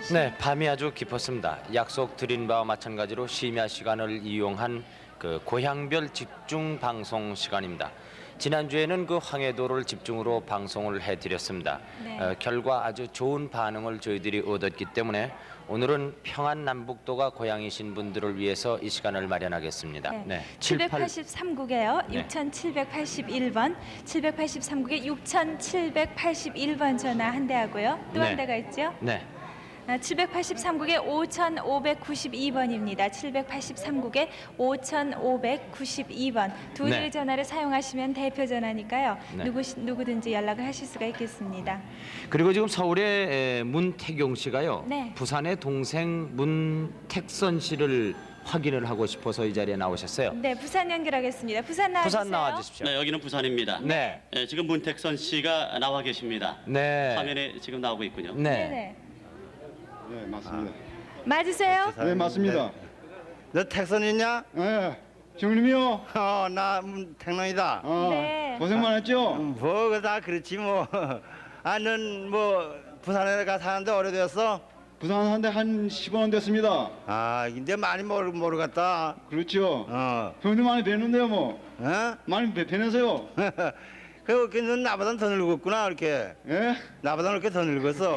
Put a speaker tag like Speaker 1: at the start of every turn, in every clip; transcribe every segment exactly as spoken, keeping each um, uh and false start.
Speaker 1: 네, 밤이 아주 깊었습니다. 약속 드린 바와 마찬가지로 심야 시간을 이용한 그 고향별 집중 방송 시간입니다. 지난주에는 그 황해도를 집중으로 방송을 해드렸습니다.
Speaker 2: 네.
Speaker 1: 어, 결과 아주 좋은 반응을 저희들이 얻었기 때문에 오늘은 평안남북도가 고향이신 분들을 위해서 이 시간을 마련하겠습니다.
Speaker 2: 네.
Speaker 1: 네,
Speaker 2: 칠백팔십삼 국에요.
Speaker 1: 네.
Speaker 2: 육천칠백팔십일 번, 칠백팔십삼 국에 육천칠백팔십일 번 전화 한 대하고요. 또 한
Speaker 1: 네.
Speaker 2: 대가 있죠.
Speaker 1: 네.
Speaker 2: 아, 칠백팔십삼 국에 오천오백구십이 번입니다. 칠백팔십삼 국에 오천오백구십이 번 두
Speaker 1: 네.
Speaker 2: 대의 전화를 사용하시면 대표 전화니까요.
Speaker 1: 네.
Speaker 2: 누구, 누구든지 연락을 하실 수가 있겠습니다.
Speaker 1: 그리고 지금 서울의 에, 문태경 씨가요.
Speaker 2: 네.
Speaker 1: 부산의 동생 문택선 씨를 확인을 하고 싶어서 이 자리에 나오셨어요.
Speaker 2: 네, 부산 연결하겠습니다. 부산 나와주세요.
Speaker 1: 부산 나와 주십시오.
Speaker 3: 네, 여기는 부산입니다.
Speaker 1: 네.
Speaker 3: 예, 지금 문택선 씨가 나와 계십니다.
Speaker 1: 네.
Speaker 3: 화면에 지금 나오고 있군요.
Speaker 1: 네.
Speaker 2: 네네.
Speaker 4: 네, 맞습니다.
Speaker 2: 맞으세요?
Speaker 4: 네, 맞습니다.
Speaker 5: 너 택선이냐?
Speaker 4: 네, 형님이요.
Speaker 5: 어, 나 음, 택론이다.
Speaker 4: 어,
Speaker 2: 네.
Speaker 4: 고생 많았죠?
Speaker 5: 뭐, 다 그렇지 뭐. 아, 넌 뭐 부산에 가 사는데 오래되었어?
Speaker 4: 부산 사는데 한 십오 년 됐습니다.
Speaker 5: 아, 근데 많이 모르, 모르겠다.
Speaker 4: 그렇죠.
Speaker 5: 어,
Speaker 4: 형님 많이 뵀는데요, 뭐.
Speaker 5: 어?
Speaker 4: 많이 뵈, 뵈내세요.
Speaker 5: 그, 그, 넌 나보다 더 늙었구나, 이렇게.
Speaker 4: 예?
Speaker 5: 나보다 이렇게 더 늙었어.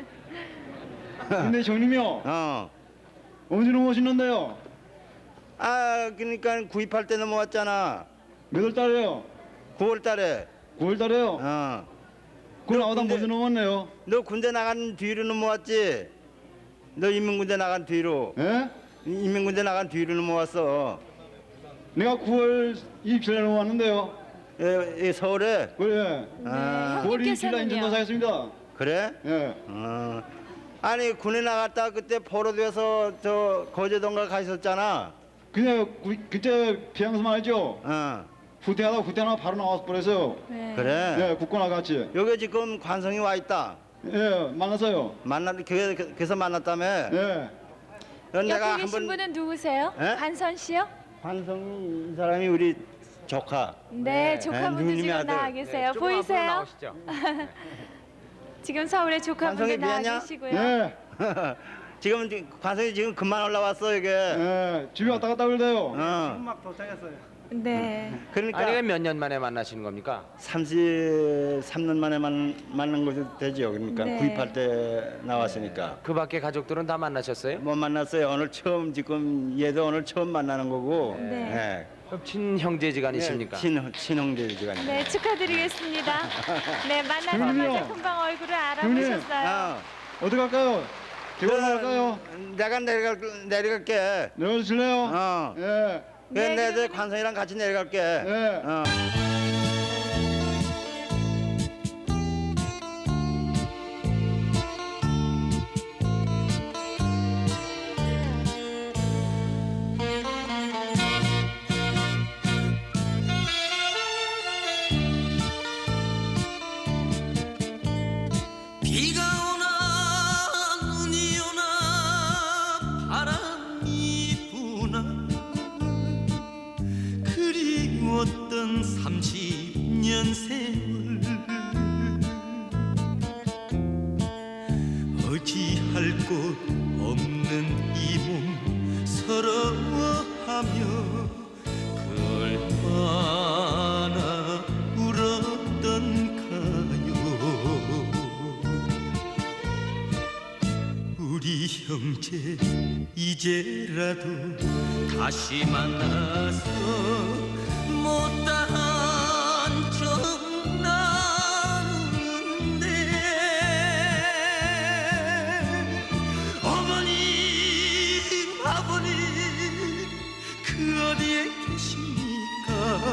Speaker 4: 근데 형님이요.
Speaker 5: 어.
Speaker 4: 언제 넘어오시는데요?
Speaker 5: 아, 그러니까 구입할 때 넘어왔잖아.
Speaker 4: 몇 월 달에요?
Speaker 5: 구월 달에.
Speaker 4: 구월 달에요?
Speaker 5: 어.
Speaker 4: 그 나오다
Speaker 5: 근데-
Speaker 4: 먼저 넘어왔네요.
Speaker 5: 너 군대 나간 뒤로 넘어왔지? 너 인민군대 나간 뒤로.
Speaker 4: 예?
Speaker 5: 인민군대 나간 뒤로 넘어왔어.
Speaker 4: 내가 구월 이십칠 일 넘어왔는데요.
Speaker 5: 예, 예, 서울에.
Speaker 4: 그래.
Speaker 5: 아,
Speaker 4: 구월 이십칠 일 인천도
Speaker 2: 형님께서는요?
Speaker 4: 사겠습니다.
Speaker 5: 그래?
Speaker 4: 예.
Speaker 5: 어. 아니 군에 나갔다 그때 포로돼서 저 거제도인가 가셨잖아.
Speaker 4: 그냥 구- 그때 비양소만 알죠?
Speaker 5: 어.
Speaker 4: 후퇴하다 후퇴하다 바로 나와서 버렸어요.
Speaker 2: 네.
Speaker 5: 그래.
Speaker 4: 예, 국권과 같이.
Speaker 5: 여기 지금 관성이 와 있다.
Speaker 4: 예, 만났어요.
Speaker 5: 만나 그 그래서 만났다며.
Speaker 4: 예.
Speaker 5: 그럼
Speaker 2: 옆에
Speaker 5: 내가
Speaker 2: 계신
Speaker 5: 한번
Speaker 2: 분은 누구세요?
Speaker 5: 예?
Speaker 2: 관선 씨요?
Speaker 5: 관성이 이 사람이 우리 조카.
Speaker 2: 네,
Speaker 5: 네,
Speaker 2: 조카분들
Speaker 5: 누님의
Speaker 2: 지금
Speaker 5: 아들.
Speaker 2: 나와 계세요.
Speaker 1: 조금 앞으로
Speaker 2: 보이세요?
Speaker 1: 나오시죠.
Speaker 2: 지금 서울에 조카분들
Speaker 5: 관성이
Speaker 2: 나와
Speaker 5: 미안냐?
Speaker 2: 계시고요.
Speaker 4: 예.
Speaker 5: 지금 지- 관성이 지금 금방 올라왔어 이게.
Speaker 4: 예. 집에 왔다 갔다 그러대요.
Speaker 5: 어.
Speaker 2: 네.
Speaker 5: 그러니까
Speaker 1: 아니, 몇 년 만에 만나시는 겁니까?
Speaker 5: 삼십삼 년 만에 만, 만난 것이 되죠. 그러니까
Speaker 2: 네.
Speaker 5: 구입할 때 나왔으니까.
Speaker 1: 그 밖에 가족들은 다 만나셨어요?
Speaker 5: 못 만났어요. 오늘 처음 지금 얘도 오늘 처음 만나는 거고.
Speaker 2: 네.
Speaker 1: 그럼 친형제지간이십니까?
Speaker 5: 친 친형제지간이.
Speaker 2: 네, 축하드리겠습니다. 네, 만나자마자
Speaker 4: 형님이요.
Speaker 2: 금방 얼굴을
Speaker 4: 형님.
Speaker 2: 알아보셨어요.
Speaker 5: 어.
Speaker 4: 어디 갈까요? 대구로 갈까요?
Speaker 5: 내가 내려갈 내려갈게.
Speaker 4: 내려주실래요?
Speaker 5: 어.
Speaker 4: 예.
Speaker 5: 그래
Speaker 2: 네,
Speaker 5: 내
Speaker 2: 그러면은-
Speaker 5: 관성이랑 같이 내려갈게.
Speaker 4: 네.
Speaker 5: 어.
Speaker 6: 비가 오나 눈이 오나 바람이 부나 그리웠던 삼십 년 세월 어찌할 곳 없는 이 몸 서러워하며 얼마나 울었던가요. 우리 형제 이제라도 다시 만나서 못다한 정 나누는데 어머님 아버님 그 어디에 계십니까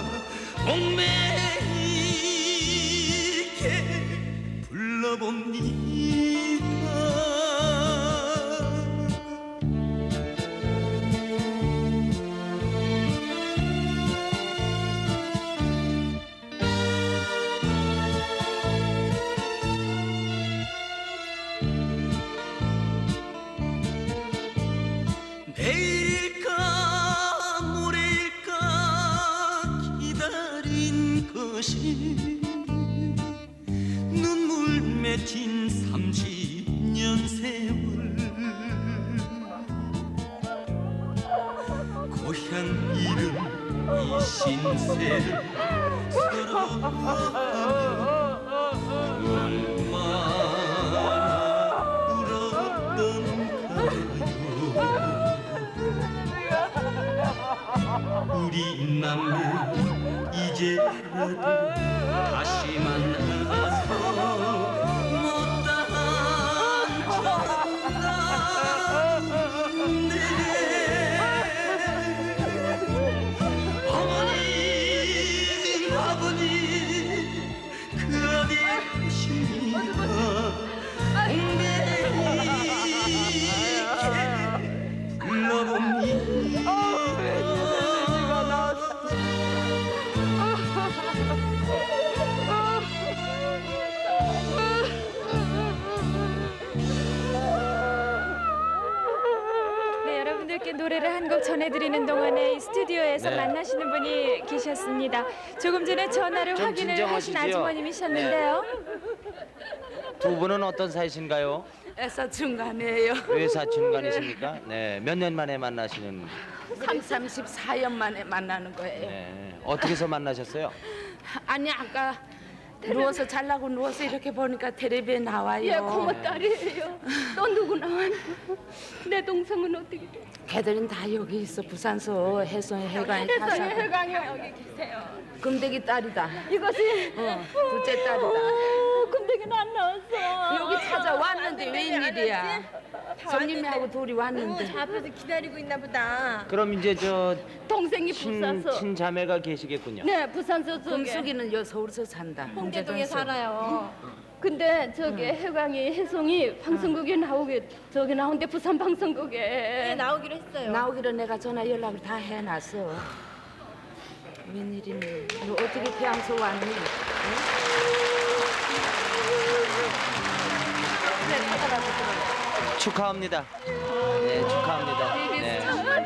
Speaker 6: 옥매이게 불러봅니다. 내일일까 모레일까 기다린 것이 눈물 맺힌 삼십 년 세월 신세를 서러워하며 얼마나 울었던가요. 우리 남매 이제라도 다시 만나서 못다한 척난데 어머니 아버니 그 어디에 계십니까 옹배이게 불러봅니다.
Speaker 2: 네, 여러분들께 노래를 한 곡 전해드리는 동안에 이 스튜디오에서
Speaker 1: 네.
Speaker 2: 만나시는 분이 계셨습니다. 조금 전에 전화를
Speaker 1: 좀
Speaker 2: 확인을 하신
Speaker 1: 진정하시지요?
Speaker 2: 아주머님이셨는데요.
Speaker 1: 두 분은 어떤 사이신가요?
Speaker 7: 애사 중간이에요.
Speaker 1: 외사촌간이십니까? 네. 몇 년 만에 만나시는?
Speaker 7: 삼십사 년 만에 만나는 거예요.
Speaker 1: 네. 어떻게 해서 만나셨어요?
Speaker 7: 아니 아까 누워서 잘라고 누워서 이렇게 보니까 텔레비에 나와요.
Speaker 8: 예, 고모 딸이에요. 또 누구 나왔나? 내 동생은 어떻게 돼?
Speaker 7: 걔들은 다 여기 있어. 부산서 해성의 해관에 다
Speaker 8: 세상에
Speaker 7: 살고.
Speaker 8: 해강이 여기 계세요.
Speaker 7: 금대기 딸이다.
Speaker 8: 이것이
Speaker 7: 어, 둘째 딸이다.
Speaker 8: 오, 금대기는 안 나왔어.
Speaker 7: 여기 찾아왔는데 웬일이야. 손님하고 둘이 왔는데.
Speaker 8: 저 앞에서 기다리고 있나 보다.
Speaker 1: 그럼 이제 저
Speaker 8: 동생이
Speaker 1: 친,
Speaker 8: 부산서.
Speaker 1: 친자매가 계시겠군요.
Speaker 8: 네, 부산서 쪽에.
Speaker 7: 금숙이는 여 서울서 산다.
Speaker 8: 홍대동에
Speaker 7: 홍대동에서.
Speaker 8: 살아요. 근데 저기 해광이 해송이 방송국에 나오게 저기 나온대 부산 방송국에 나오기로 했어요.
Speaker 7: 나오기로 내가 전화 연락을 다 해놨어. 웬일이니? 너 어떻게 태양서 왔니? 응?
Speaker 1: 축하합니다. 네, 축하합니다. 네.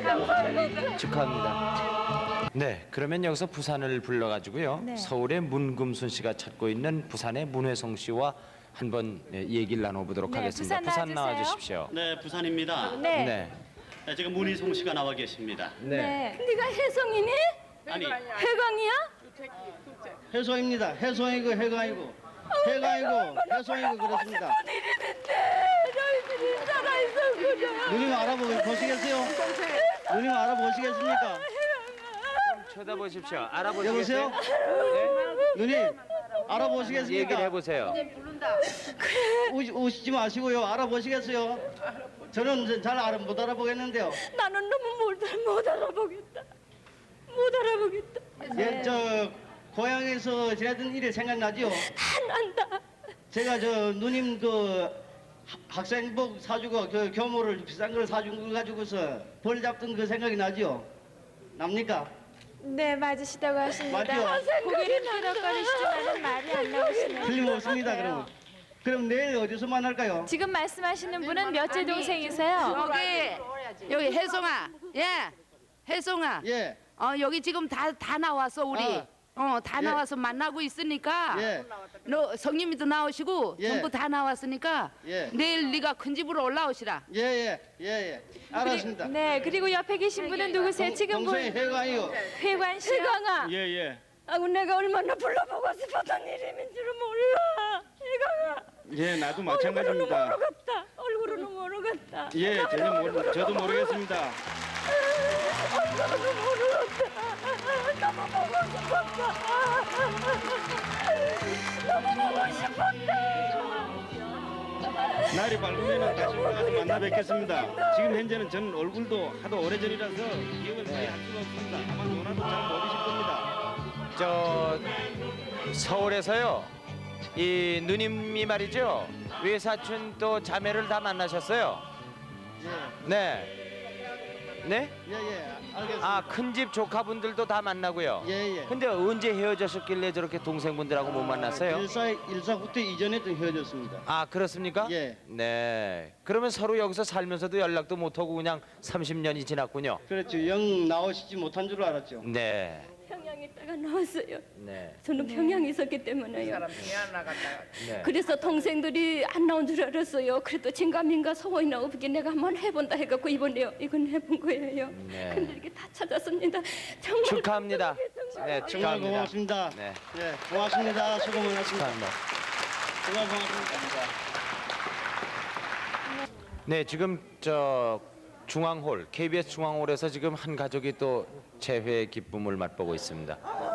Speaker 1: 축하합니다. 네, 그러면 여기서 부산을 불러가지고요.
Speaker 2: 네.
Speaker 1: 서울의 문금순 씨가 찾고 있는 부산의 문회성 씨와 한번 예, 얘기를 나눠보도록
Speaker 2: 네,
Speaker 1: 하겠습니다.
Speaker 2: 부산 나와주세요.
Speaker 1: 나와주십시오.
Speaker 3: 네, 부산입니다.
Speaker 2: 네.
Speaker 1: 네.
Speaker 3: 네, 지금 문희송 씨가 나와 계십니다.
Speaker 2: 네.
Speaker 8: 네가 해송이니?
Speaker 3: 아니,
Speaker 8: 해광이야?
Speaker 5: 해소입니다. 해소이고 해가이고 해가이고 해소이고 그렇습니다.
Speaker 8: 너희들이 살아있었구나.
Speaker 5: 누님 알아보 보시겠어요? 누님 알아보시겠습니까?
Speaker 1: 쳐다보십시오. 알아보시겠어요?
Speaker 5: 여보세요? 누님 알아보시겠습니까?
Speaker 1: 얘기를 해보세요.
Speaker 5: 오시, 오시지 마시고요. 알아보시겠어요? 저는 이제 잘 알아 못 알아보겠는데요.
Speaker 8: 나는 너무 못, 알아- 못 알아보겠다. 못 알아보겠다.
Speaker 5: 예, 저 고향에서 지내던 일이 생각나지요.
Speaker 8: 다 난다.
Speaker 5: 제가 저 누님 그 하- 학생복 사주고 그 교모를 비싼 걸 사준 거 가지고서 벌 잡던 그 생각이 나지요. 납니까?
Speaker 2: 네, 맞으시다고 하십니다.
Speaker 5: 맞죠?
Speaker 2: 고개를 끄덕거리시지만 말이 안 나오시네요.
Speaker 5: 틀림없습니다. 그럼 그럼 내일 어디서 만날까요?
Speaker 2: 지금 말씀하시는 분은 몇째 동생이세요?
Speaker 7: 여기 여기 혜송아, 예, 혜송아.
Speaker 5: 예,
Speaker 7: 어 여기 지금 다 다 나왔어 우리.
Speaker 5: 아.
Speaker 7: 어 다
Speaker 5: 예.
Speaker 7: 나와서 만나고 있으니까.
Speaker 5: 예.
Speaker 7: 너 성님이도 나오시고
Speaker 5: 예.
Speaker 7: 전부 다 나왔으니까
Speaker 5: 예.
Speaker 7: 내일 네가 큰 집으로 올라오시라.
Speaker 5: 예, 예, 예, 예. 알았습니다.
Speaker 2: 네, 그리고 옆에 계신 분은 누구세요?
Speaker 5: 동-
Speaker 2: 지금 본
Speaker 5: 동생이 해가요.
Speaker 2: 회관 씨.
Speaker 8: 해광아.
Speaker 5: 예, 예.
Speaker 8: 아우 내가 얼마나 불러보고 싶었던 이름인 줄은 몰라. 해광아.
Speaker 4: 예, 나도
Speaker 8: 얼굴은
Speaker 4: 마찬가지입니다.
Speaker 8: 모르겠다. 얼굴은 모르겠다.
Speaker 4: 예, 전혀 모르, 저도 모르겠습니다.
Speaker 8: 얼굴은 모르겠다. 너무 보고 싶었다. 너무 보고 싶었다.
Speaker 4: 날이 밝으면 다시 가서 만나 뵙겠습니다. 지금 현재는 저는 얼굴도 하도 오래전이라서 기억을 거의 할 수가 없습니다. 아마 누나도 잘 모르실 겁니다.
Speaker 1: 저 서울에서요. 이 누님이 말이죠. 외사촌 또 자매를 다 만나셨어요.
Speaker 5: 예,
Speaker 1: 네. 네?
Speaker 5: 예, 예. 알겠습니다.
Speaker 1: 아, 큰 집 조카분들도 다 만나고요.
Speaker 5: 예, 예.
Speaker 1: 근데 언제 헤어졌었길래 저렇게 동생분들하고 못 만났어요?
Speaker 5: 일사 일사부터 이전에도 헤어졌습니다.
Speaker 1: 아, 그렇습니까?
Speaker 5: 예.
Speaker 1: 네. 그러면 서로 여기서 살면서도 연락도 못 하고 그냥 삼십 년이 지났군요.
Speaker 5: 그렇죠. 영 나오시지 못한 줄 알았죠.
Speaker 1: 네.
Speaker 8: 평양에 평양에 있다가 나왔어요.
Speaker 1: 네.
Speaker 8: 저는 평양에 있었기 때문에요.
Speaker 1: 네.
Speaker 8: 그래서 동생들이 안 나온 줄 알았어요. 그래도 진감인가 소원이나 없게 내가 한번 해본다 해갖고 이번에요. 이건 해본 거예요.
Speaker 1: 네.
Speaker 8: 근데 이렇게 다 찾았습니다. 정말
Speaker 1: 축하합니다. 네,
Speaker 5: 정말
Speaker 1: 축하합니다.
Speaker 5: 고맙습니다.
Speaker 1: 네.
Speaker 5: 네, 고맙습니다. 수고 많았습니다.
Speaker 1: 축하합니다.
Speaker 5: 정말 고맙습니다.
Speaker 1: 네, 지금 저 중앙홀 케이비에스 중앙홀에서 지금 한 가족이 또 재회의 기쁨을 맛보고 있습니다.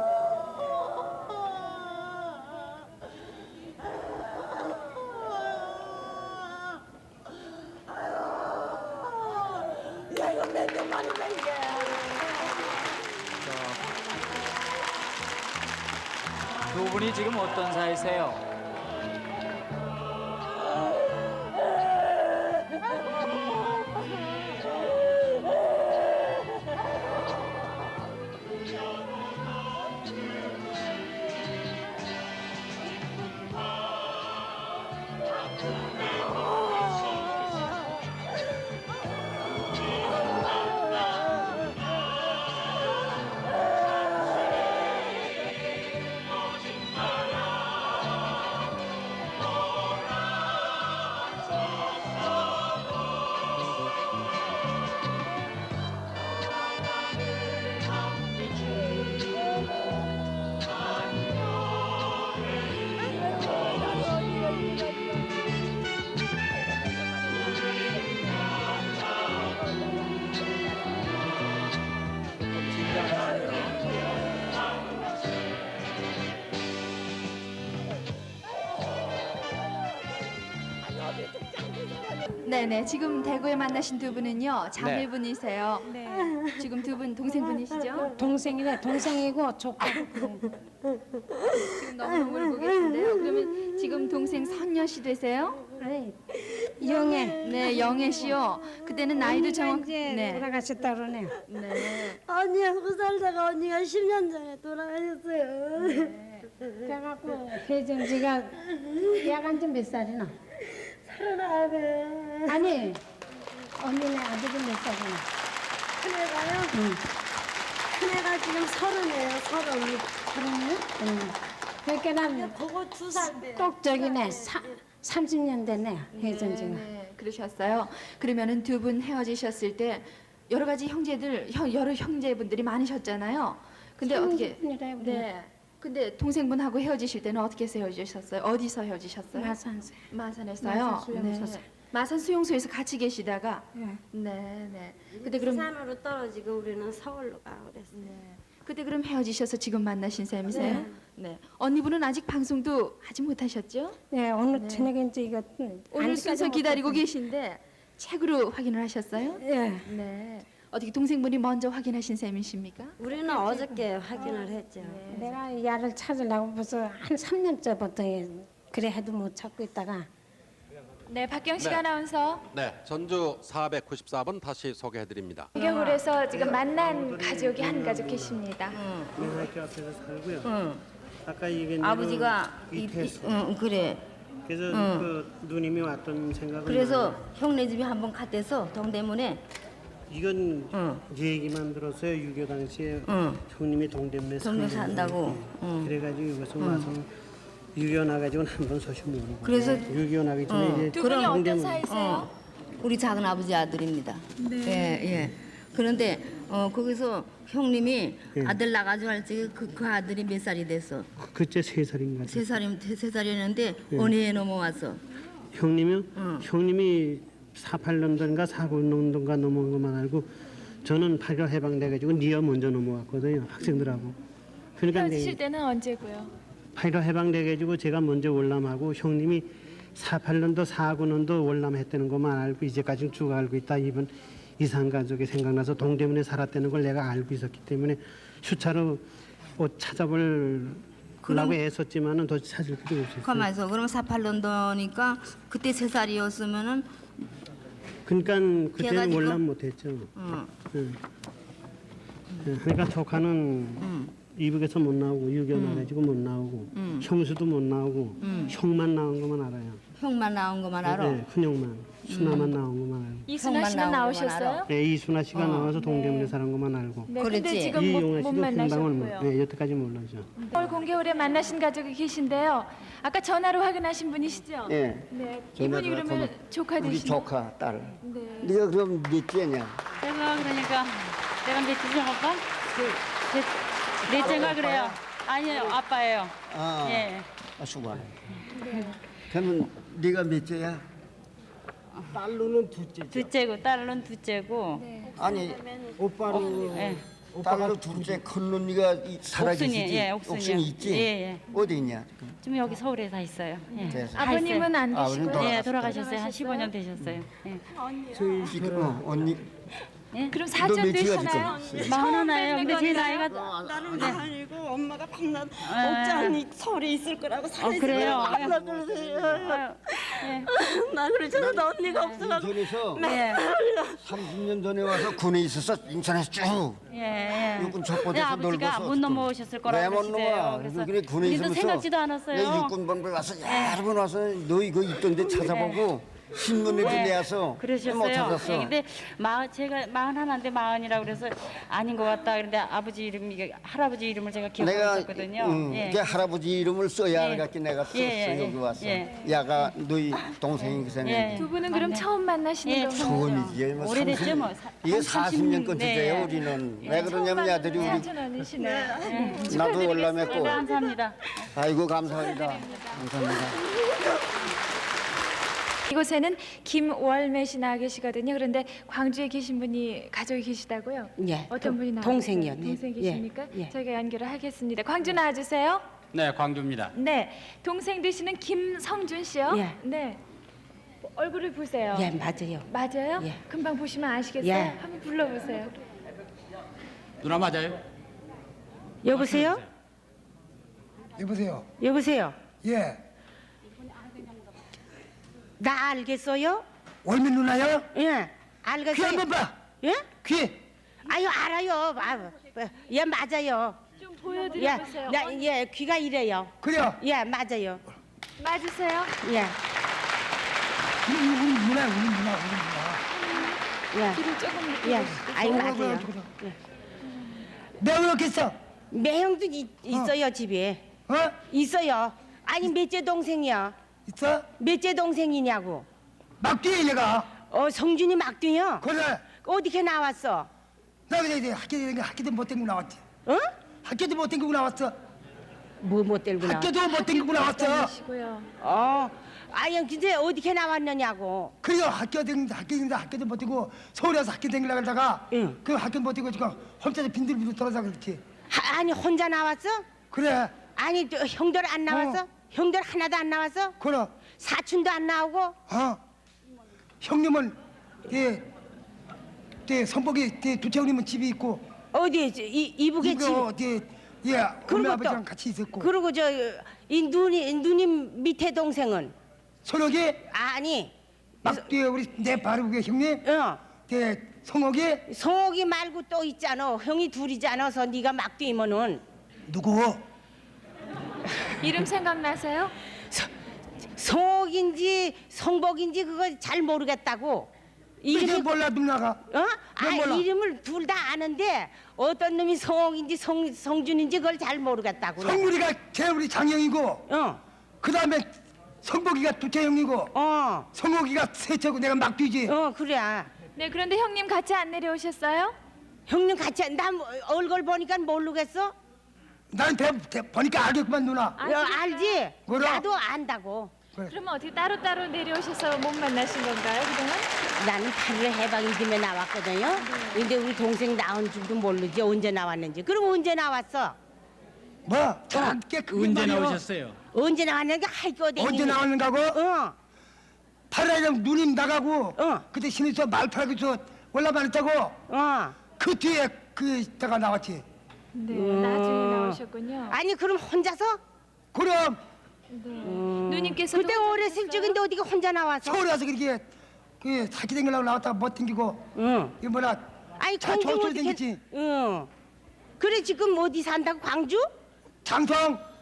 Speaker 9: 두 분이 지금 어떤 사이세요?
Speaker 2: 네네. 지금 대구에 만나신 두 분은요 자매분이세요.
Speaker 7: 네.
Speaker 2: 지금 두 분 동생분이시죠?
Speaker 7: 동생이네. 동생이고 조카.
Speaker 2: 지금 너무 울고 계신데요. 그러면 지금 동생 선녀 씨 되세요?
Speaker 7: 영애.
Speaker 2: 네, 영애 씨요. 그때는 나이도 정확.
Speaker 7: 이제
Speaker 2: 네.
Speaker 7: 돌아가셨다 그러네.
Speaker 2: 네.
Speaker 8: 언니 하고 살다가 언니가 십 년 전에 돌아가셨어요.
Speaker 7: 그래갖고 혜정지가 야간 좀 몇 살이나?
Speaker 8: 서른아홉에
Speaker 7: 아니 언니네 아들이 몇 살이나?
Speaker 8: 큰애가요? 응. 큰애가 지금 서른이에요. 서른.
Speaker 7: 그러면 응. 그러니까 난
Speaker 8: 그거 두 살인데.
Speaker 7: 꼭 저기네 사, 삼십 년 됐네 혜정지가.
Speaker 2: 네, 그러셨어요. 그러면은 두 분 헤어지셨을 때 여러 가지 형제들, 형, 여러 형제분들이 많으셨잖아요. 근데 어떻게?
Speaker 7: 삼십분이라 해보면
Speaker 2: 네. 근데 동생분하고 헤어지실 때는 어떻게 해서 헤어지셨어요? 어디서 헤어지셨어요?
Speaker 7: 마산세.
Speaker 2: 마산에서요.
Speaker 7: 마산 수용소에서.
Speaker 2: 네. 마산 수용소에서 같이 계시다가.
Speaker 7: 네.
Speaker 2: 네, 네. 근데 그럼
Speaker 8: 부산으로 떨어지고 우리는 서울로 가 그랬어요.
Speaker 2: 그때 그럼 헤어지셔서 지금 만나신 셈이세요? 네. 언니분은 아직 방송도 하지 못하셨죠?
Speaker 7: 네 오늘 저녁에 이제 이거 응,
Speaker 2: 오늘
Speaker 7: 안지까지
Speaker 2: 순서 기다리고
Speaker 7: 못했어요.
Speaker 2: 계신데 책으로 확인을 하셨어요?
Speaker 7: 예.
Speaker 2: 네. 어떻게 동생분이 먼저 확인하신 셈이십니까?
Speaker 8: 우리는 어저께 확인을 했죠.
Speaker 7: 내가 야를 찾으려고 벌써 한 삼 년째부터 그래 해도 못 찾고 있다가
Speaker 2: 네, 박경식
Speaker 10: 네.
Speaker 2: 아나운서.
Speaker 10: 네, 전주 사백구십사 번 다시 소개해드립니다.
Speaker 2: 개울에서 지금 만난 가족이 한 가족 계십니다.
Speaker 4: 내가 학교 앞에서 살고요. 아까 얘기한
Speaker 11: 아버지가 이, 이,
Speaker 4: 이태수.
Speaker 11: 응, 그래.
Speaker 4: 그래서
Speaker 11: 응.
Speaker 4: 그 누님이 왔던 생각은
Speaker 11: 그래서
Speaker 4: 나요.
Speaker 11: 형네 집에 한번 갔대서 동대문에.
Speaker 4: 이건
Speaker 11: 응.
Speaker 4: 제 얘기만 들었어요. 유교 당시에
Speaker 11: 응.
Speaker 4: 형님이 동대문에
Speaker 11: 동대문
Speaker 4: 산다고.
Speaker 11: 산다고.
Speaker 4: 네.
Speaker 11: 응.
Speaker 4: 그래가지고 이것을 와서 유교 나가지고는 한번 소식 모르고.
Speaker 11: 그래서-
Speaker 4: 유교 나기 전에
Speaker 11: 응.
Speaker 4: 이제
Speaker 2: 두 분이
Speaker 11: 그럼
Speaker 2: 어떤
Speaker 4: 동대문.
Speaker 2: 사이세요?
Speaker 11: 어, 우리 작은 아버지 아들입니다. 네. 예, 예. 그런데 어, 거기서 형님이
Speaker 4: 예.
Speaker 11: 아들 나가지고 할 적에 그, 그 아들이 몇 살이 됐어?
Speaker 4: 그때 세 살인가.
Speaker 11: 세 살이면 세 살이었는데
Speaker 4: 예.
Speaker 11: 어느 해 넘어왔어?
Speaker 4: 형님이요?
Speaker 11: 응.
Speaker 4: 형님이 사팔 년도인가 사구 년도인가 넘어온 것만 알고 저는 팔.일 해방돼가지고 니어 먼저 넘어왔거든요. 학생들하고. 그러니까
Speaker 2: 헤어지실 때는 언제고요?
Speaker 4: 팔.일 해방돼가지고 제가 먼저 월남하고 형님이 사팔 년도 사구 년도 월남했다는 것만 알고 이제까지 쭉 알고 있다. 이번 이산가족이 생각나서 동대문에 살았다는 걸 내가 알고 있었기 때문에 수차로 옷 찾아보려고
Speaker 11: 그럼-
Speaker 4: 애썼지만은 도저히 찾을 필요가 없었어요.
Speaker 11: 가만 있어. 그럼 사팔 년도니까 그때 세 살이었으면은
Speaker 4: 그러니까 그때는
Speaker 11: 걔가 지금-
Speaker 4: 월남 못했죠.
Speaker 11: 어,
Speaker 4: 응. 응, 그러니까 조카는
Speaker 11: 응.
Speaker 4: 이북에서 못 나오고 유교 나가지고 못 나오고
Speaker 11: 음.
Speaker 4: 형수도 못 나오고
Speaker 11: 음.
Speaker 4: 형만 나온 것만 알아요.
Speaker 11: 형만 나온 것만 알아.
Speaker 4: 네, 큰 형만. 순아만 나온 것만 알고.
Speaker 2: 이순아
Speaker 11: 형만
Speaker 2: 씨는
Speaker 11: 나온 것만
Speaker 2: 나오셨어요?
Speaker 4: 네, 이순아 씨가 나와서 동대문에 사는 것만 알고.
Speaker 2: 네, 근데
Speaker 11: 그렇지.
Speaker 2: 지금 못,
Speaker 4: 이용아
Speaker 2: 못
Speaker 4: 씨도 금방을
Speaker 2: 만나셨고요.
Speaker 4: 몰- 네, 여태까지 몰라죠.
Speaker 2: 올 공개홀에 만나신 가족이 계신데요. 아까 전화로 확인하신 분이시죠?
Speaker 12: 예.
Speaker 2: 네.
Speaker 12: 전화로
Speaker 2: 이분이 그러면
Speaker 12: 와서
Speaker 2: 조카
Speaker 12: 우리
Speaker 2: 되시나요?
Speaker 12: 조카 딸.
Speaker 2: 네.
Speaker 12: 네가 그럼 몇째냐?
Speaker 8: 내가 그러니까 내가 몇째 아빠? 넷째가 그래요. 아니요, 아빠예요.
Speaker 12: 아,
Speaker 8: 예.
Speaker 12: 아 수고하네. 그러면 네가 몇째야?
Speaker 4: 딸로는 둘째.
Speaker 8: 둘째고 딸은 둘째고.
Speaker 12: 아니 오빠는
Speaker 8: 예.
Speaker 12: 딸로 둘째 큰 놈이가 이- 살아계시지?
Speaker 8: 옥순이, 예, 옥순이요.
Speaker 12: 있지?
Speaker 8: 예, 예.
Speaker 12: 어디 있냐?
Speaker 8: 지금 여기 서울에 다 있어요. 예.
Speaker 12: 그래서.
Speaker 2: 아버님은 안
Speaker 12: 아버님
Speaker 2: 계시고요.
Speaker 8: 예,
Speaker 12: 돌아가셨어요.
Speaker 8: 돌아가셨어요. 한 십오 년 되셨어요. 예.
Speaker 12: 지금 어, 언니
Speaker 2: 그럼
Speaker 12: 너
Speaker 2: 사전
Speaker 12: 몇이야
Speaker 2: 되시나요?
Speaker 12: 지금?
Speaker 8: 마흔 하나예요. 근데 제
Speaker 2: 건가요?
Speaker 8: 나이가
Speaker 13: 나는 아니고 엄마가 밤낮
Speaker 8: 예.
Speaker 13: 억장이 서울에 있을 거라고
Speaker 8: 어,
Speaker 13: 살아있을
Speaker 8: 그래요.
Speaker 13: 거라고
Speaker 8: 아유.
Speaker 13: 그러세요.
Speaker 8: 아유, 예.
Speaker 13: 나 그러잖아. 언니가 없어가지고
Speaker 12: 인천에서
Speaker 8: 예.
Speaker 12: 삼십 년 전에 와서 군에 있었어. 인천에서 쭉.
Speaker 8: 예, 예.
Speaker 12: 육군
Speaker 8: 네,
Speaker 12: 족보대에서
Speaker 8: 아버지가
Speaker 12: 놀고서
Speaker 8: 못 넘어오셨을 거라고
Speaker 12: 왜못
Speaker 8: 그러시대요.
Speaker 12: 넘어?
Speaker 8: 그래서
Speaker 12: 그래 군에
Speaker 8: 우리도
Speaker 12: 있으면서
Speaker 8: 생각지도 않았어요.
Speaker 12: 내 육군 본부에 와서 여러 번 와서 너 이거 있던데 찾아보고 신문에
Speaker 8: 네.
Speaker 12: 빌려서 못
Speaker 8: 그러셨어요.
Speaker 12: 찾았어.
Speaker 8: 예, 근데 마, 제가 마흔 하나인데 마흔이라고 그래서 아닌 것 같다. 그런데 아버지 이름 이게 할아버지 이름을 제가 기억하고
Speaker 12: 내가
Speaker 8: 있었거든요.
Speaker 12: 음,
Speaker 8: 예.
Speaker 12: 이게 할아버지 이름을 써야
Speaker 8: 예.
Speaker 12: 알겠기 내가 썼어.
Speaker 8: 예, 예,
Speaker 12: 여기 와서
Speaker 8: 예.
Speaker 12: 야가 너희 동생이 그 생각이
Speaker 8: 예.
Speaker 2: 두 분은 그럼 처음 만나시는
Speaker 8: 예,
Speaker 2: 건가요?
Speaker 12: 처음이지. 뭐
Speaker 8: 오래됐죠,
Speaker 12: 삼십
Speaker 8: 뭐. 사-
Speaker 12: 이게
Speaker 8: 한
Speaker 12: 사십 년 건
Speaker 8: 네.
Speaker 12: 주제요 우리는. 왜 그러냐면 야들이 우리
Speaker 2: 사촌 아니시네.
Speaker 12: 나도 월남했고.
Speaker 8: 네, 감사합니다.
Speaker 12: 아이고 감사합니다. 감사합니다.
Speaker 2: 이곳에는 김월매 씨 나와 계시거든요. 그런데 광주에 계신 분이 가족이 계시다고요?
Speaker 7: 예.
Speaker 2: 어떤 분이 나와
Speaker 7: 동생이요.
Speaker 2: 계세요? 동생
Speaker 7: 예.
Speaker 2: 계십니까?
Speaker 7: 예.
Speaker 2: 저희가 연결을 하겠습니다. 광주 나와주세요.
Speaker 9: 네, 광주입니다.
Speaker 2: 네, 동생 되시는 김성준 씨요.
Speaker 7: 예.
Speaker 2: 네, 얼굴을 보세요.
Speaker 7: 예, 맞아요.
Speaker 2: 맞아요?
Speaker 7: 예.
Speaker 2: 금방 보시면 아시겠어요?
Speaker 7: 예.
Speaker 2: 한번 불러보세요.
Speaker 9: 누나 맞아요?
Speaker 7: 여보세요?
Speaker 6: 여보세요.
Speaker 7: 여보세요?
Speaker 6: 예.
Speaker 7: 나 알겠어요?
Speaker 6: 월미 누나요?
Speaker 7: 예.
Speaker 6: 귀
Speaker 7: 알겠어요.
Speaker 6: 한번 봐.
Speaker 7: 예?
Speaker 6: 귀.
Speaker 7: 아유, 알아요. 아, 예, 맞아요.
Speaker 2: 좀
Speaker 7: 예,
Speaker 2: 보여드려보세요.
Speaker 7: 나, 예, 귀가 이래요.
Speaker 6: 그래요.
Speaker 7: 예, 맞아요.
Speaker 2: 맞으세요?
Speaker 7: 예,
Speaker 6: 우리, 우리 누나, 우리 누나, 우리 누나.
Speaker 7: 예,
Speaker 2: 귀를 조금 늦게
Speaker 7: 예.
Speaker 2: 보시고.
Speaker 7: 아유,
Speaker 6: 어,
Speaker 7: 맞아요.
Speaker 6: 그래, 그래. 내가 그렇게 했어.
Speaker 7: 매형도 이- 있어요, 집에.
Speaker 6: 어?
Speaker 7: 있어요. 아니, 몇째 동생이야?
Speaker 6: 있어?
Speaker 7: 몇째 동생이냐고.
Speaker 6: 막뒤에 얘가.
Speaker 7: 어, 성준이 막둥이요?
Speaker 6: 그래.
Speaker 7: 어떻게 나왔어?
Speaker 6: 나 그냥 이제 학교 다니는 학교도 못 댕기고 나왔지.
Speaker 7: 어?
Speaker 6: 학교도 못 댕기고 나왔어.
Speaker 7: 뭐 못 들고 나왔어?
Speaker 6: 학교도 못 댕기고 나왔어.
Speaker 2: 시고요.
Speaker 7: 어, 아니, 근데 어떻게 나왔느냐고.
Speaker 6: 그래요. 학교 댕 학교 댕다 학교도 못 댕고 서울에 와서 학교 댕기려고 하다가
Speaker 7: 응.
Speaker 6: 그 학교 못 댕고 지금 혼자서 빈들빈들 돌아서 그렇지.
Speaker 7: 하, 아니, 혼자 나왔어?
Speaker 6: 그래.
Speaker 7: 아니, 저, 형들 안 나왔어?
Speaker 6: 어.
Speaker 7: 형들 하나도 안 나왔어?
Speaker 6: 그래.
Speaker 7: 사촌도 안 나오고?
Speaker 6: 어. 형님은 예, 예, 선복이 예, 두채 형님은 집이 있고
Speaker 7: 어디, 저, 이, 이북에 집?
Speaker 6: 이거 예, 예, 엄마
Speaker 7: 그리고
Speaker 6: 아버지랑
Speaker 7: 또-
Speaker 6: 같이 있었고.
Speaker 7: 그리고 저, 이 누니, 누님 밑에 동생은?
Speaker 6: 선옥이
Speaker 7: 아니,
Speaker 6: 막 예, 우리 내 바로 위에 형님,
Speaker 7: 어,
Speaker 6: 예, 성옥이
Speaker 7: 송옥이 말고 또 있잖아. 형이 둘이잖아서 네가 막뛰면은
Speaker 6: 누구?
Speaker 7: 이름 생각나세요? 송옥인지 성복인지 그거 잘 모르겠다고.
Speaker 6: 이름이 몰라 누나가.
Speaker 7: 어? 아
Speaker 6: 몰라.
Speaker 7: 이름을 둘 다 아는데 어떤 놈이 성옥인지 성, 성준인지 그걸 잘 모르겠다고.
Speaker 6: 성물이가 걔 우리 장형이고,
Speaker 7: 어.
Speaker 6: 그 다음에 성복이가 두채 형이고,
Speaker 7: 어.
Speaker 6: 성옥이가 셋째고 내가 막뒤지.
Speaker 7: 어 그래.
Speaker 2: 네, 그런데 형님 같이 안 내려오셨어요?
Speaker 7: 형님 같이 나 뭐- 얼굴 보니까 모르겠어?
Speaker 6: 난 배, 배, 보니까 알겠구만 누나.
Speaker 2: 아,
Speaker 7: 어, 알지?
Speaker 6: 그럼.
Speaker 7: 나도 안다고.
Speaker 2: 그러면 어떻게 따로따로 내려오셔서 못 만나신 건가요, 그동안?
Speaker 7: 나는 팔 일 해방일쯤에 나왔거든요. 근데 우리 동생 나온 줄도 모르지 언제 나왔는지. 그럼 언제 나왔어?
Speaker 6: 뭐? 작게 크게
Speaker 9: 언제
Speaker 6: 말이요.
Speaker 9: 나오셨어요?
Speaker 7: 언제 나왔는지 할 거 어디
Speaker 6: 언제 나왔는가고?
Speaker 7: 어.
Speaker 6: 팔아령 누님 나가고
Speaker 7: 어.
Speaker 6: 그때 신에서 말 팔고서 올라만 했다고
Speaker 7: 어.
Speaker 6: 그 뒤에 그 때가 나왔지.
Speaker 2: 네, 나중에 나오셨군요.
Speaker 7: 아니 그럼 혼자서?
Speaker 6: 그럼
Speaker 2: 네. 누님께서
Speaker 7: 그때 오래 슬쩍인데 어디가 혼자 나와서?
Speaker 6: 서울에 와서 그렇게 그 사기 댕기려고 나왔다가 못 댕기고
Speaker 7: 응.
Speaker 6: 이 뭐라
Speaker 7: 아니
Speaker 6: 다
Speaker 7: 광주
Speaker 6: 저쪽에
Speaker 7: 어떻게?
Speaker 6: 댕기지.
Speaker 7: 응. 그래 지금 어디 산다고 광주?
Speaker 6: 장성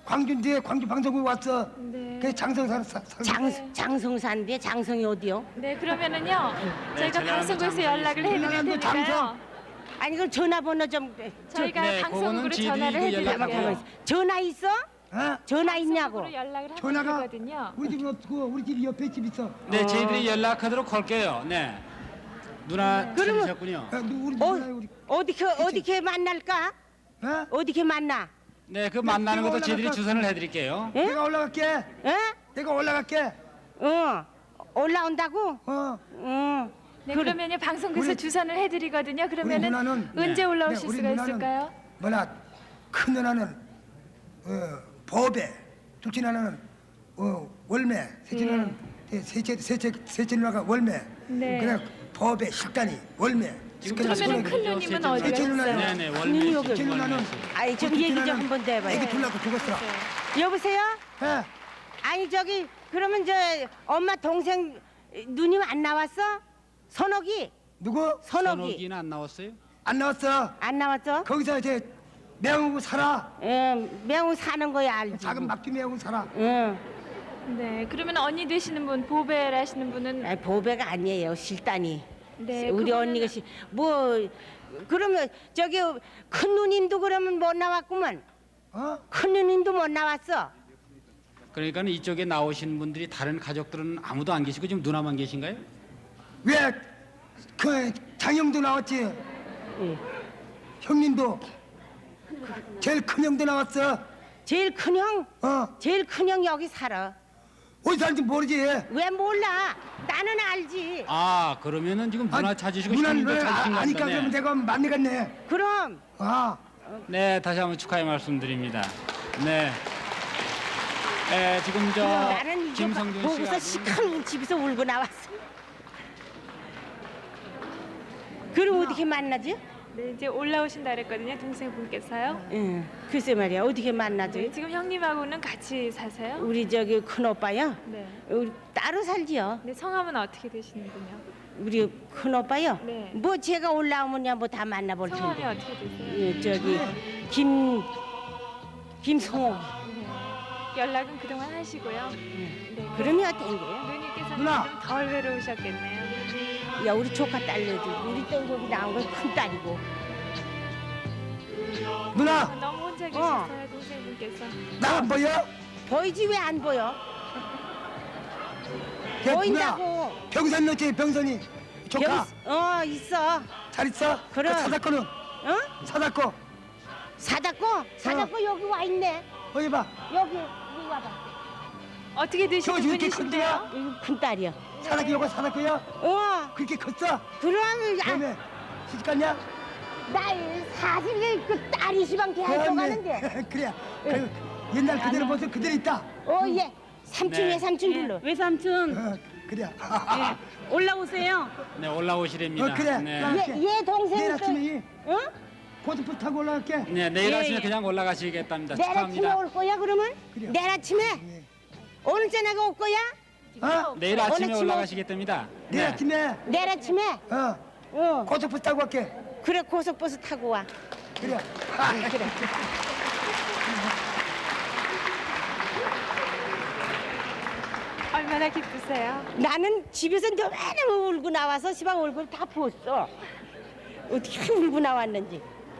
Speaker 6: 광주인데 광주 방송국에 왔어.
Speaker 8: 네.
Speaker 6: 그 장성 살 살.
Speaker 7: 장 장성사인데 장성이 어디요?
Speaker 8: 네, 그러면은요. 저희가
Speaker 9: 전라남도
Speaker 8: 방송국에서 연락을 해드릴
Speaker 6: 전라남도
Speaker 8: 테니까요.
Speaker 6: 장성.
Speaker 7: 아니 그 전화번호 좀
Speaker 8: 저희가
Speaker 9: 네,
Speaker 8: 방송국으로
Speaker 9: 그거는
Speaker 8: 전화를
Speaker 9: 지디 그
Speaker 8: 해드릴게요.
Speaker 9: 연락하고
Speaker 7: 전화 있어?
Speaker 6: 어?
Speaker 7: 전화 있냐고?
Speaker 8: 방송국으로 연락을 하면
Speaker 6: 전화가
Speaker 8: 되거든요.
Speaker 6: 우리 집 없고 우리 집 옆에 집 있어.
Speaker 9: 네, 저희들이 연락하도록 할게요. 네. 누나
Speaker 7: 그러면-
Speaker 9: 찾으셨군요.
Speaker 6: 어, 누- 우리 집
Speaker 7: 어,
Speaker 6: 누나야, 우리.
Speaker 7: 어디게 어디게 만날까?
Speaker 6: 어?
Speaker 7: 어디게 만나?
Speaker 9: 네, 그 만나는 것도 저희들이
Speaker 6: 올라갈까?
Speaker 9: 주선을 해드릴게요.
Speaker 7: 예?
Speaker 6: 내가 올라갈게.
Speaker 7: 어?
Speaker 6: 내가 올라갈게.
Speaker 7: 어. 올라온다고?
Speaker 6: 어.
Speaker 7: 응.
Speaker 8: 네, 그러면요 방송국에서
Speaker 6: 우리-
Speaker 8: 주선을 해드리거든요.
Speaker 6: 우리
Speaker 8: 그러면은
Speaker 6: 누나는
Speaker 8: 언제
Speaker 9: 네.
Speaker 8: 올라오실
Speaker 6: 네, 우리
Speaker 8: 수가
Speaker 6: 누나는
Speaker 8: 있을까요?
Speaker 6: 뭐라 큰 누나는 어, 법에, 둘째 누나는 어, 월매, 셋째 누나는 예, 셋째 셋째 셋째 누나가 월매.
Speaker 8: 네.
Speaker 6: 그래 법에 식단이 월매.
Speaker 8: 그러면은 큰 누님은 어디
Speaker 6: 셋째 누나는
Speaker 9: 네, 네,
Speaker 7: 큰일이
Speaker 9: 월매.
Speaker 7: 여기-
Speaker 6: 셋째 누나는
Speaker 7: 아니 좀
Speaker 6: 둘째
Speaker 7: 얘기 좀
Speaker 6: 누나는
Speaker 7: 한 번 더 해봐요.
Speaker 6: 애기 둘 낳고 죽었어.
Speaker 7: 여보세요?
Speaker 6: 예.
Speaker 7: 아니 저기 그러면 저 엄마 동생 누님 안 나왔어? 선옥이?
Speaker 6: 누구?
Speaker 7: 선옥이
Speaker 9: 선옥이는 안 나왔어요?
Speaker 6: 안 나왔어.
Speaker 7: 안 나왔어?
Speaker 6: 거기서 이제 매하고 살아.
Speaker 7: 예, 매우 사는 거야 알지?
Speaker 6: 작은 막주 매하고 살아.
Speaker 7: 응.
Speaker 8: 네, 그러면 언니 되시는 분, 보배라시는 분은
Speaker 7: 아니 보배가 아니에요 실단이.
Speaker 8: 네,
Speaker 7: 우리
Speaker 8: 그분은-
Speaker 7: 언니가 시, 뭐 그러면 저기 큰 누님도 그러면 못 나왔구만.
Speaker 6: 어?
Speaker 7: 큰 누님도 못 나왔어.
Speaker 9: 그러니까 이쪽에 나오신 분들이 다른 가족들은 아무도 안 계시고 지금 누나만 계신가요?
Speaker 6: 왜 그 장형도 나왔지?
Speaker 7: 예.
Speaker 6: 형님도 제일 큰 형도 나왔어.
Speaker 7: 제일 큰 형,
Speaker 6: 어
Speaker 7: 제일 큰 형 여기 살아.
Speaker 6: 어디 사는지 모르지.
Speaker 7: 왜 몰라? 나는 알지.
Speaker 9: 아, 그러면은 지금 누나
Speaker 6: 아,
Speaker 9: 찾으시고
Speaker 6: 누나는
Speaker 9: 형님도
Speaker 6: 왜
Speaker 9: 찾으신 것
Speaker 6: 아, 아니까 그러면
Speaker 9: 같네.
Speaker 6: 내가 만나겠네.
Speaker 7: 그럼
Speaker 6: 아
Speaker 9: 네, 다시 한번 축하의 말씀드립니다. 네. 에, 지금 저
Speaker 7: 나는 이거
Speaker 9: 김성준
Speaker 7: 보고서
Speaker 9: 씨가
Speaker 7: 시큰 우리 집에서 울고 나왔어. 그럼 어떻게 만나지?
Speaker 8: 네, 이제 올라오신다 그랬거든요, 동생분께서요.
Speaker 7: 응. 글쎄 말이야 어떻게 만나지?
Speaker 8: 네, 지금 형님하고는 같이 사세요?
Speaker 7: 우리 저기 큰 오빠요.
Speaker 8: 네.
Speaker 7: 우리 따로 살지요.
Speaker 8: 네, 성함은 어떻게 되시는군요?
Speaker 7: 우리 큰 오빠요.
Speaker 8: 네.
Speaker 7: 뭐 제가 올라오면야 뭐 다 만나볼
Speaker 8: 성함이
Speaker 7: 텐데.
Speaker 8: 어떻게 되세요?
Speaker 7: 예, 저기 김 김성옥.
Speaker 8: 네. 연락은 그동안 하시고요. 네.
Speaker 7: 그러면 어떤 거요?
Speaker 8: 누님께서는
Speaker 6: 누나!
Speaker 8: 좀 덜 외로우셨겠네요.
Speaker 7: 야 우리 조카 딸내지. 우리 딸 저기 나온 건 큰 딸이고.
Speaker 6: 누나
Speaker 8: 너무 혼자 계셨어요, 동생분께서.
Speaker 6: 나 안 보여?
Speaker 7: 보이지 왜 안 보여?
Speaker 6: 걔 누나
Speaker 7: 보인다고.
Speaker 6: 병선 넣지 병선이 조카
Speaker 7: 여기 있- 어 있어.
Speaker 6: 잘 있어?
Speaker 7: 그래.
Speaker 6: 그 사다코는
Speaker 7: 어?
Speaker 6: 사다코
Speaker 7: 사다코? 사다코 여기 와 있네.
Speaker 6: 어디 봐.
Speaker 7: 여기 여기 와봐.
Speaker 8: 어떻게 되시는
Speaker 6: 저 이렇게
Speaker 8: 분이신데요?
Speaker 6: 컸구나.
Speaker 7: 이거 큰 딸이야.
Speaker 6: 사다코 요거 사다코야?
Speaker 7: 어.
Speaker 6: 그렇게 컸어?
Speaker 7: 그럼 아,
Speaker 6: 그러면 시집 갔냐?
Speaker 7: 나 사실 그 딸이 시방 대학교 가는데.
Speaker 6: 그래. 그 옛날 그대로 모습 그대로 있다.
Speaker 7: 어 예. 삼촌
Speaker 9: 네.
Speaker 7: 외삼촌 불러.
Speaker 13: 외삼촌
Speaker 6: 어, 그래.
Speaker 13: 올라오세요.
Speaker 9: 네, 올라오시랍니다.
Speaker 6: 어, 그래.
Speaker 9: 네.
Speaker 6: 그럼-
Speaker 7: 얘, 얘 동생
Speaker 6: 내일
Speaker 7: 그
Speaker 6: 아침에
Speaker 7: 어?
Speaker 6: 고속버스 타고 올라갈게.
Speaker 9: 네, 내일
Speaker 13: 예,
Speaker 9: 아침에
Speaker 13: 예.
Speaker 9: 그냥 올라가시겠답니다.
Speaker 7: 내일 아침에
Speaker 9: 축하합니다.
Speaker 7: 올 거야 그러면?
Speaker 6: 그래요.
Speaker 7: 내일 아침에?
Speaker 6: 예.
Speaker 7: 오늘 저녁에 올 거야?
Speaker 6: 어?
Speaker 9: 내일
Speaker 7: 오늘
Speaker 9: 아침에
Speaker 7: 아침에
Speaker 9: 올라가시겠답니다.
Speaker 6: 내일
Speaker 9: 네.
Speaker 6: 아침에
Speaker 7: 내일 아침에?
Speaker 6: 어
Speaker 7: 어.
Speaker 6: 고속버스 타고 갈게.
Speaker 7: 그래 고속버스 타고 와.
Speaker 6: 그래.
Speaker 7: 그래.
Speaker 8: 얼마나 기쁘세요?
Speaker 7: 나는 집에서 너무너무 울고 나와서 시방 얼굴 다 부었어. 어떻게 울고 나왔는지.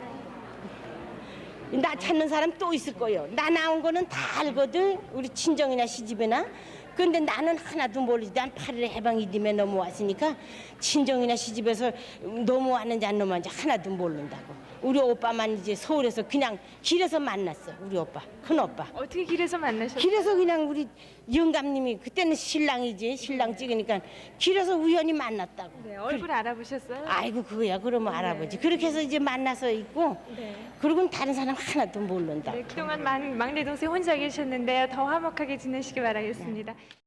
Speaker 7: 나 찾는 사람 또 있을 거요. 나 나온 거는 다 알거든. 우리 친정이나 시집이나. 근데 나는 하나도 모르지. 난 팔 일에 해방이 dim에 넘어왔으니까 친정이나 시집에서 넘어왔는지 안 넘어왔는지 하나도 모른다고. 우리 오빠만 이제 서울에서 그냥 길에서 만났어. 우리 오빠, 큰 오빠.
Speaker 8: 어떻게 길에서 만나셨어요?
Speaker 7: 길에서 그냥 우리 영감님이 그때는 신랑이지. 신랑 찍으니까 길에서 우연히 만났다고.
Speaker 8: 네, 얼굴 알아보셨어요?
Speaker 7: 아이고 그거야 그러면 알아보지. 그렇게 해서 이제 만나서 있고
Speaker 8: 네.
Speaker 7: 그리고는 다른 사람 하나도 모른다.
Speaker 8: 네, 그동안 막, 막내 동생 혼자 계셨는데요. 더 화목하게 지내시기 바라겠습니다.